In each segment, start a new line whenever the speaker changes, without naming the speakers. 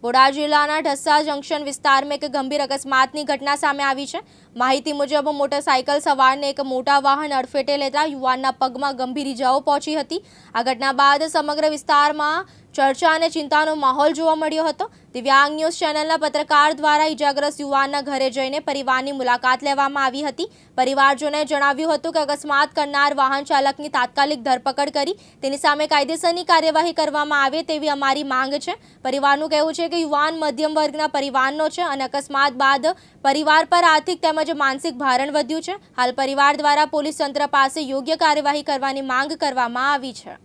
બોટાદ જિલ્લાના ઢસા જંકશન વિસ્તારમાં એક ગંભીર અકસ્માતની ઘટના સામે આવી છે। માહિતી મુજબ મોટરસાઇકલ સવારને એક મોટા વાહન અડફેટે લેતા યુવાનના પગમાં ગંભીર ઇજાઓ પહોંચી હતી। આ ઘટના બાદ સમગ્ર વિસ્તારમાં ચર્ચા અને ચિંતાનો માહોલ જોવા મળ્યો હતો। દિવ્યાંગ ન્યૂઝ ચેનલના પત્રકાર દ્વારા ઇજાગ્રસ્ત યુવાનના ઘરે જઈને પરિવારની મુલાકાત લેવામાં આવી હતી। પરિવારજોને જણાવ્યું હતું કે અકસ્માત કરનાર વાહન ચાલકની તાત્કાલિક ધરપકડ કરી તેની સામે કાયદેસરની કાર્યવાહી કરવામાં આવે તેવી અમારી માંગ છે। પરિવારનું કહેવું છે કે યુવાન મધ્યમ વર્ગના પરિવારનો છે અને અકસ્માત બાદ પરિવાર પર આર્થિક તેમજ માનસિક ભારણ વધ્યું છે। હાલ પરિવાર દ્વારા પોલીસ તંત્ર પાસે યોગ્ય કાર્યવાહી કરવાની માંગ કરવામાં આવી છે।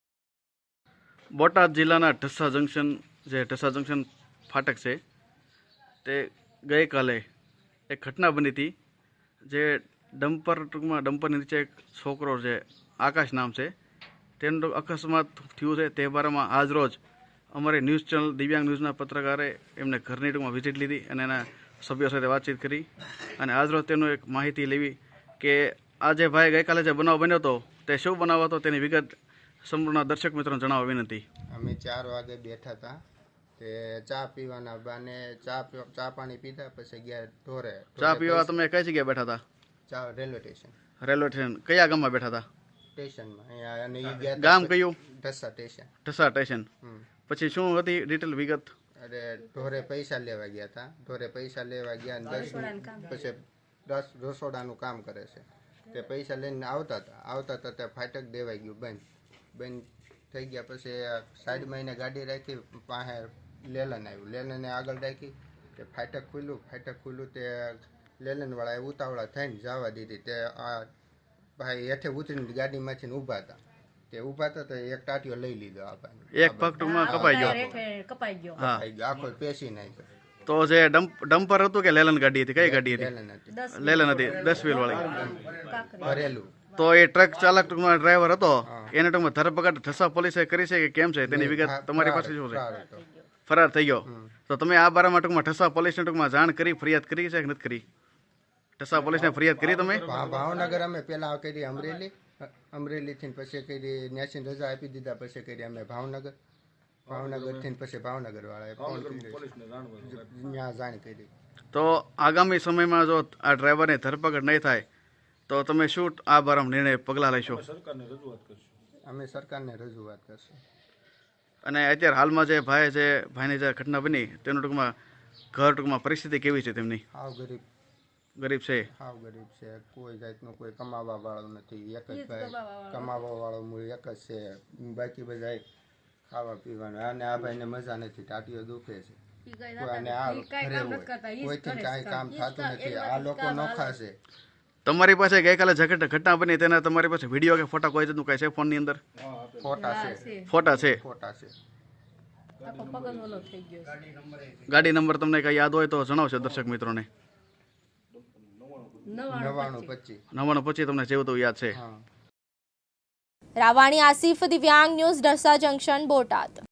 બોટાદ જિલ્લાના ઢસા જંકશન ફાટક છે તે ગઈકાલે એક ઘટના બની હતી જે ડમ્પરની નીચે એક છોકરો છે, આકાશ નામ છે, તેનું અકસ્માત થયું છે। તે બારામાં આજ રોજ અમારી ન્યૂઝ ચેનલ દિવ્યાંગ ન્યૂઝના પત્રકારે એમને ઘરની ટૂંકમાં વિઝિટ લીધી અને એના સભ્યો સાથે વાતચીત કરી અને આજ રોજ તેનું એક માહિતી લેવી કે આજે ભાઈ ગઈકાલે જે બનાવ બન્યો હતો તે શું બનાવ હતો તેની વિગત સંપૂર્ણ દર્શક મિત્રોને જણાવવા વિનંતી।
અમે 4 વાગે બેઠા હતા તે ચા પીવાના બાને ચા પાણી પીધા પછી ગયા ઢોરે।
ચા પીવા તમે કઈ જગ્યાએ બેઠા હતા?
ચા રેલવે સ્ટેશન।
રેલવે સ્ટેશન કયા ગામમાં બેઠા હતા?
સ્ટેશનમાં અહીંયા અને ઈ ગયા
ગામ કયું?
ઢસા સ્ટેશન।
ઢસા સ્ટેશન પછી શું હતી ડિટેલ વિગત?
અરે ઢોરે પૈસા લેવા ગયા હતા। ઢોરે પૈસા લેવા ગયા અને 10 રસોડાનું કામ કરે છે તે પૈસા લઈને આવતા હતા તે ફાટક દેવાઈ ગયું બંધ થઈ ગયા। પછી સાઈડમાં એને ગાડી રાખી, પાસે લેલન આવ્યું, લેલને આગળ રાખી તે ફાટક ખુલ્યું તે લેલનવાળાએ ઉતાવળા થઈને જવા દીધી। તે આ ભાઈ હેઠે ઉતરીને ગાડીમાંથી ઊભા હતા તે ઊભા હતા તો એક ટાટિયો લઈ લીધો આ ભાઈ,
એક પગ ટૂંકમાં કપાઈ ગયો। હા,
આખો પેસી નાખ્યો।
તો જે ડમ્પર હતું કે લેલન ગાડી હતી? કઈ ગાડી હતી?
લેલન હતી।
લેલન હતી, 10 વ્હીલ વાળી
ભરેલું।
તો એ ટ્રક ચાલક ટૂંકમાં ડ્રાઈવર હતો એને ટૂંકમાં ધરપકડ ઢસા પોલીસે કરી છે કે કેમ છે તેની વિગત તમારી પાસે શું છે? ફરાર થઈ ગયો। તો તમે આ બારામાં ટૂંકમાં ઢસા પોલીસને ટૂંકમાં જાણ કરી, ફરિયાદ કરી છે કે નથી કરી? ઢસા પોલીસને ફરિયાદ કરી તમે?
ભાવનગર અમે પેલા કરી અમરેલીથી પછી કરી ન્યાસી રજા આપી દીધા પછી કરી અમે ભાવનગરથી પછી ભાવનગર વાળાએ ફોન કરી જાણ કરી।
તો આગામી સમયમાં જો આ ડ્રાઈવરની ધરપકડ નહીં થાય તો તમે શું આ બારામાં નિર્ણય પગલાં લેશો?
અમે સરકારને રજૂઆત કરશું।
અને અત્યારે હાલમાં જે ભાઈની જે ઘટના બની તેનું ટૂંકમાં ઘર ટૂંકમાં પરિસ્થિતિ કેવી છે તેમની? ગરીબ છે।
હાવ ગરીબ છે, કોઈ જાતનું કોઈ કમાવા વાળો નથી, એક જ ભાઈ કમાવા વાળો મૂળ એક જ છે, બાકી બધા ખાવા પીવાનું। અને આ ભાઈને મજા નથી, ટાટીઓ દુખે છે અને આ ઘરે હોય, કોઈથી કાંઈ કામ થતું નથી, આ લોકો નોખા છે।
તમારી પાસે ગઈકાલે જે ઘટના બની તેના તમારી પાસે વિડીયો કે ફોટા કોઈ જાતનું કઈ છે ફોનની અંદર? ફોટા છે। ગાડી નંબર તમને કઈ યાદ હોય તો જણાવશો દર્શક મિત્રોને? 9925 તમને જેવું તો યાદ છે।
રાવાણી આસિફ, દિવ્યાંગ ન્યૂઝ, ઢસા જંકશન, બોટાદ।